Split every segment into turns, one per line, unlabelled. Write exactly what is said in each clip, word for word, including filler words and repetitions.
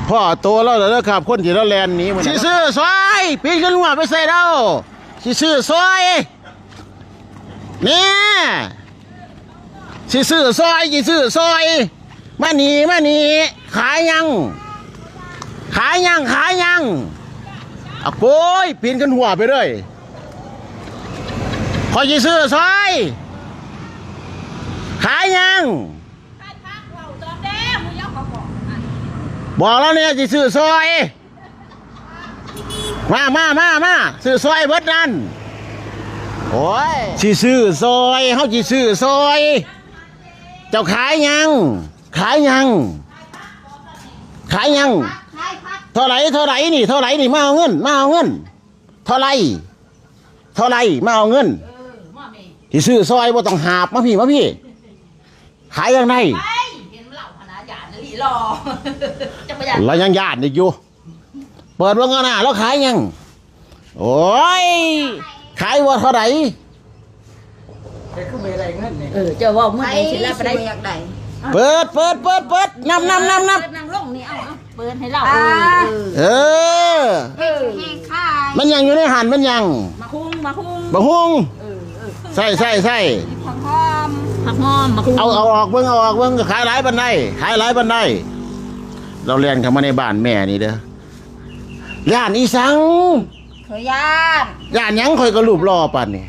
พ่อโตแล้วแล้วครับคนที่เราแลนนี้สิซื้อซอยปีนขึ้นหัวไปใส่เราสิซื้อซอยเนี่ยสิซื้อซอยสิซื้อซอยมาหนีมาหนีขายยังขายยังขายยังอ่ะโก้ยปีนขึ้นหัวไปเลยพอสิซื้อซอยขายยังบอกแล้วเนี่ยจะซื้อซอยมามามามาซื้อซอยเบิดนั่นโอ้ยสิซื้อซอยเขาสิซื้อซอยเจ้าขายยังขายยังขายยังเท่าไหร่เท่าไหร่นี่เท่าไหร่นี่มาเอาเงินมาเอาเงินเท่าไหร่เท่าไหร่มาเอาเงินสิซื้อซอยบ่ต้องหาบมาพี่มาพี่ขายยังไงเรายังญาติอยู่เปิดว่าเงินน่ะเราขายยังโอ้ยขายว่าเท่าไหร่
เออเจ้าว่าเมื่อไหร่สิแล้วไปได้
เปิดเปิดเปิดเปิดนับนับนับนับ
นั่งลงนี่เอาเอาเปิดให้เรา
เออมันยังอยู่ในหันมันยัง
มาคุ้งมาคุ้ง
มาคุ้งใส่ใส่ใส่
ผักหอมผักหอมมาคุ้ง
เอาเอาออกเบิ้งเอาออกเบิ้งขายหลายบันไดขายหลายบันไดเราเรียนเข้ามาในบ้านแม่นี่เด้อย่านอีสัง
เคยย่าน
ย่านยังคอยกระลูบรอปันนี่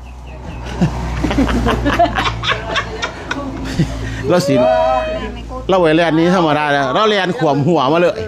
เราสิเราไว้เรียนนี้ธรรมดาแล้วเราเรียนขวมหัวมาเลย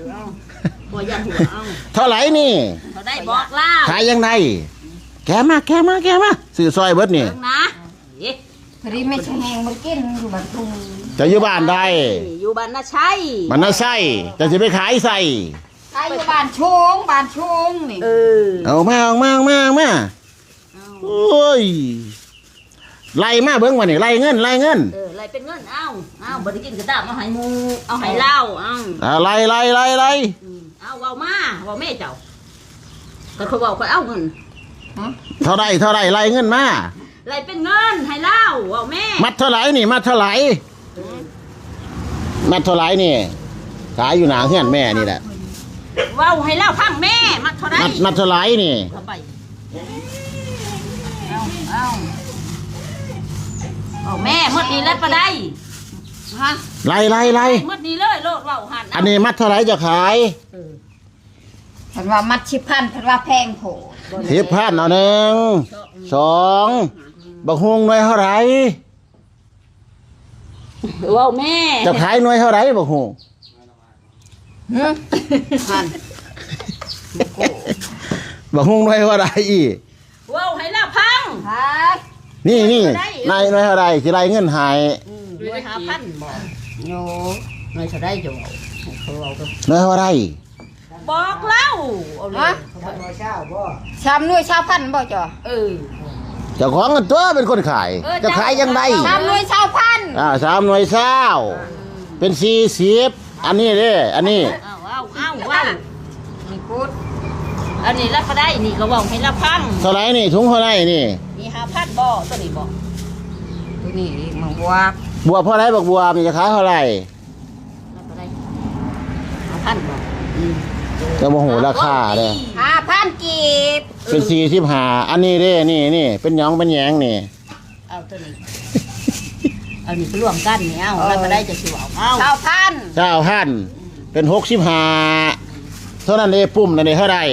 เท่าไหร่นี่
เท่าได้บอกล่า
ขายยังไงแกมาแกมาแกมาซื้อซอยเบิดนี่
นะพอดีไม่ใช่แหงมันกินอยู่บ้านทุ่ง
จะอยู่บ้านใด
อยู่บ้านน่าใช่
บ้านน่าใช่จะจะไปขายใส่
ขายอยู่บ้านชงบ้านชงนี่เออ
เอามาเอามาเอามาเอามาโอ้ยไล่มาเบิ้งวันนี้ไล่เงินไล่เงิน
เออไล่เป็นเงินเอาเอาบริกินกระดาษเอาให้มูเอาให้เล่าเอา
เอาไล่ไล่ไล่ไล่
เอาเบามาเบาแม่เจ้าก็เขาบอกเขาเอาเงิน
เท่าไรเท่าไรไล่เงินมา
ไล่เป็นเงินให้เล่าเบาแม่
มัดเท่าไรนี่มัดเท่าไรมัดเท่าไรนี่ขายอยู่หนาเฮือนแม่นี่แหละ
ว้าวให้เล่าพังแม่มัดเท่าไร
มัดเท่าไรนี่
เอาเอาเอาแม่มดนี้แล้วปะได้ฮะ
ไล่ไล่ไล่
มดนี้เลยโลดเบาหัน
อันนี้มัดเท่าไรจะขาย
เห็นว่ามัดชิพันเห็นว่าแพงโผ
สิบพันเอาหนึ่งสองบักฮวงหน่วยเท่าไร
ว้าวแม่
จะขายหน่วยเท่าไรบักฮวง
พัน
บักฮวงหน่วยเท่าไรอี
ว้าวให้ละพัง
นี่นี่นายหน่วยเท่าไรสิไรเงินหาย
หน่วยห้าพันบอกโย่หน่วยเท่าไรจะบอกเขาเอาก็
หน่วยเท่าไร
บอกเล่าเอาเลยชามหน่วยชาวพันบ่จ่อเออ
เจ้าของกันตัวเป็นคนขายจะขายยังไง
ชามหน่วยชาวพัน
อ่าสามหน่วยเช้าเป็นสี่สิบอันนี้เด้อันนี้
เอาเอาเอาเอานี่พูดอันนี้รับก็ได้นี่ก็บอกให้รับพัง
เท่าไรนี่ถุงเท่าไรนี่
นี่ห้าพันบ่ตัวนี้บ่ตัวนี้มังบัว
บัวเท่าไรบักบัวมันจะขายเท่าไร
รับก็ได้ห้าพันบ่
จะโมโหราคาเลย
ห้าพันกีบ
เป็นสี่สิบห้าอันนี้เด้นี่นี่เป็นยองเป็นแยงนี่
เอาตัวนี้เอานี่รวมกันนี่เอาแล้วก็ได้จะสิวเอาเก้าพัน
เก้าพันเป็นหกสิบห้าเท่านั้นเด้ปุ่มนั่นเด้เท่าไร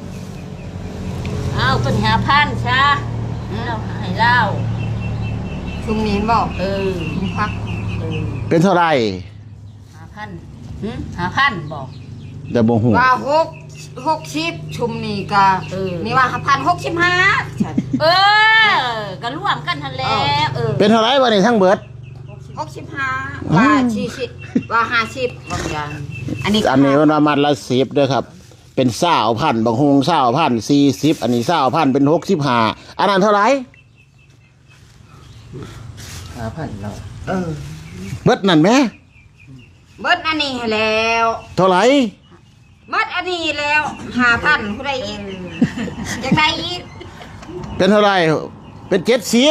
เอาตัวนี้ห้าพันช้าเราให้เล่าชุมนี้บอกเออพักเออ
เป็นเท่าไร
ห้าพันห้าพันบอก
แต่บ่หู
ว่าหกหกสิบชุมนี้ก็นี่ว่าพันหกสิบห้าเออก็ร่วมกันทันแล้วเออ
เป็นเท่าไรวะนี่ทั้งเบิด
หกสิบห้าว่าสี่สิบว่าห้าสิบบางอย่างอันนี้
อันนี้มันประมาณละสิบเด้อครับเป็นเศร้าพันบางหงเศร้าพันสี่สิบอันนี้เศร้าพันเป็นหกสิบห้าอันนั้นเท่าไร
ห้าพันเรา
เออ
เบิดนั่นไหม
เบิดอันนี้แล้ว
เท่าไร
เบิดอันนี้แล้วห้าพันผู้ใดอีกอยากได้อีก
เป็นเท่าไรเป็นเจ็ดสิบ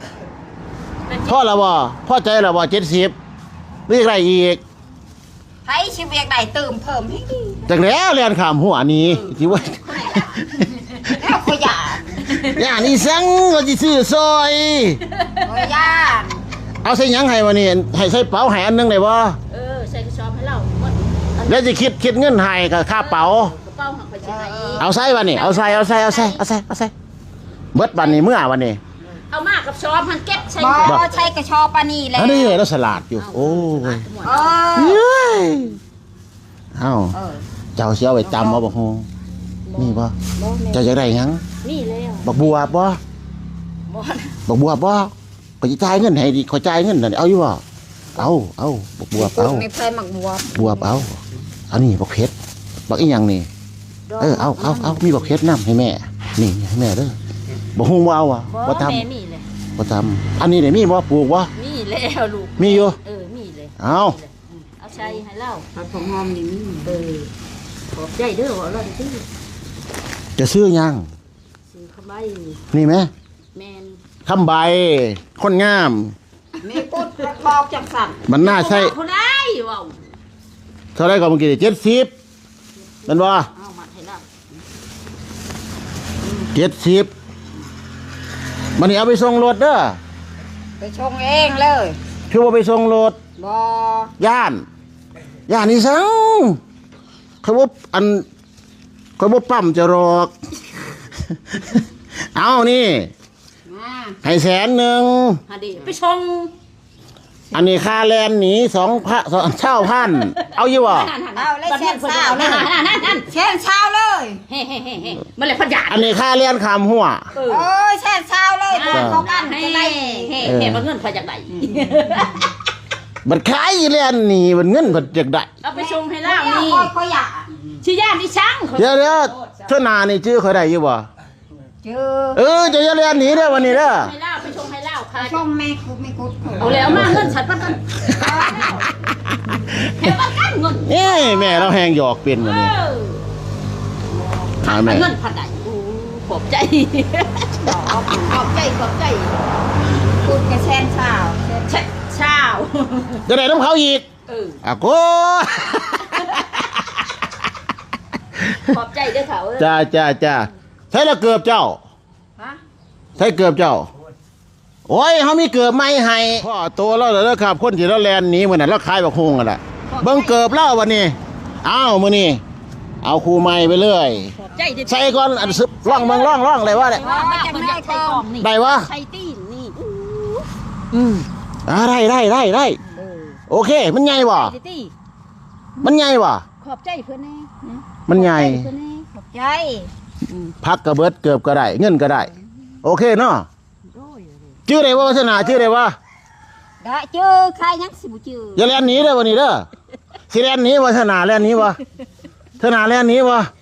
พ่อละบ่พ่อใจละบ่เจ็ดสิบเรียกอะไรอีก
ทไปชีวิตใดเติมเพิ่มให้ดี
จังแล้วเรียนขามหัวนี้ที่ว่า
แล้วขยะ
ย่านี่สังว่าสิซื้อซอย
ขยะ
เอาใส่หยังให้วะนี่ให้ใส่เป๋าให้อันหนึงได้บ่
เออใส่กระสอบให้เราหมด
แล้วสิคิดคิดเงินให้กับค่าเป๋า
กระเป๋าหักไปใช้
เอาใส่วะนี่เอาใส่เอาใส่เอาใส่เอาใส่เอาใส่เบิดบัดนี้เมื่อวันนี้
เอามากับสอบมันเก็บใส่
บ่ใช้กระชอปานี่แหละ
อันนี้เราฉลาดอยู่โอ้ย
เออ
เฮ้ยเอ้า
เออ
เจ้าสิเอาไปจำเอาบ่ฮู้นี่บ่เจ้าจะได้หยัง
นี่แล้ว
บักบัวบ่
บ่
บักบัวบ่ก็สิจ่ายเงินให้ดิขอจ่ายเงินนั่นเอาอยู่บ่เอาเอาบักบัวเอา
ไม่เคยหมักบัว
บัวเอาอันนี้บักเพชรบักอีหยังนี่เออเอาเอาเอามีบักเพชรนํให้แม่นี่ให้แม่เด้อบ่ฮู้บ่เอาอ่ะบ่ทำ
แม่มีเลย
บ่ทำอันนี้ได้มีบ่ปลูกบ่
มีแล้วลูก
มีอยู่
เออมีเลย
เอา
เอาใส่ให้เรา
ผัดผงหอมนี่มี
เออขอบใจเด้อว่าเราที่
จะซื้อหยัง
ซื้อเข้าไป
นี่ไหม
แมน
คำใบคนงาม
มีกุดกระบอกจังสั่น
มันน่าใช่
คนได้ว้าว
เท่าไรก็เมื่อกี้เจ็ดสิบเป็นบ่
เอามาให้เรา
เจ็ดสิบมันนี่เอาไปส่งรถเด้อ
ไปชงเองเลย
คือว่าไปส่งรถ
บ่
ย่านย่านนี่สังเขาบอกอันเขาบอกปั๊มจะรอก เอานี่
มา
ให้แสนหนึ่ง
หาดีไปชง
อันนี้ค่าแลนหนีสองพระสองเช่าพันเอาอยู่บ่
เอาเลยเช่นเช้าเลย
นั่นนั่นนั่น
เช่นเช้าเลย
เฮ้เฮ้เฮ้เฮ้มันเลยพันยา
อันนี้ค่าแลนขามหัว
เออ
โอ้ยเช่นเช้าเลยตัวเขากัน
เฮ้
จะได้
เฮ้เฮ้มันเงินพอจากไหน
มันขายแลนหนีมันเงินมันจากได้
เอาไปชงให้
แล้
เรา
ว
นี่
เขาอยาก
ชื่อย่านที่ช่าง
เดี๋ยวเดี๋ยวเท่านานี่ชื่อเขาได้อยู่บ่
เจอ
เออจะอย่าแลนหนีเด้อวันนี้เด้อ
ให้เล่าไปชงให้เล่าค่ะ
ชงไม่คุดไม่คุด
เอาแล้วมาเงินฉันปันกันเฮ้ปันกันเงิน
เอ้ยแม่เราแหงหยอกเป็นวันนี้หาแม่
เงินพันไหนขอบใจขอบใจขอบใจ
คุดกับเช่นเช้า
เช้าเช้า
จะได้น้ำเขาอีก
เออ
อ่ะโก้
ขอบใจเด้อเขา
จ้าจ้าจ้าใช่ละเกือบเจ้า
ฮะ
ใช่เกือบเจ้า โอ้ยเขามีเกือบไม่ให้พ่อโตแล้วเหรอครับคนที่เราแลนหนีเหมือนนั้นเราขายบักฮงกันแหละเบิ่งเกือบเล่าวันนี้อ้าวมื้อนี้เอาครูใหม่ไปเลย
ขอบใจเด้อ
ใส่ก่อนอันซึบร่องเมืองร่องร่องเลยว่าเนี่ย
ว่ามันจะไม่ใช่กล่องนี่
ได้วะ
ใช่ตีนนี่
อืมอ่าได้ได้ได้ได้
เออ
โอเค มันใหญ่บ่
ใช่ตี
มันใหญ่บ่
ขอบใจเพื่อนแน่
มันใหญ่
เพื่อนแน่
ขอบใจ
พักกระเบิดเกือบก็ได้ เงินก็ได้ โอเคเนาะ
โอ้ย
ชื่ออะไรวะวัฒนาชื่ออะไรวะ
ได้เจอใครยังสิบุจือ
อย่าแล่นหนีเด้อวันนี้เด้อสิแล่นหนีวัฒนาแล่นหนีวะธนาแล่นหนีวะ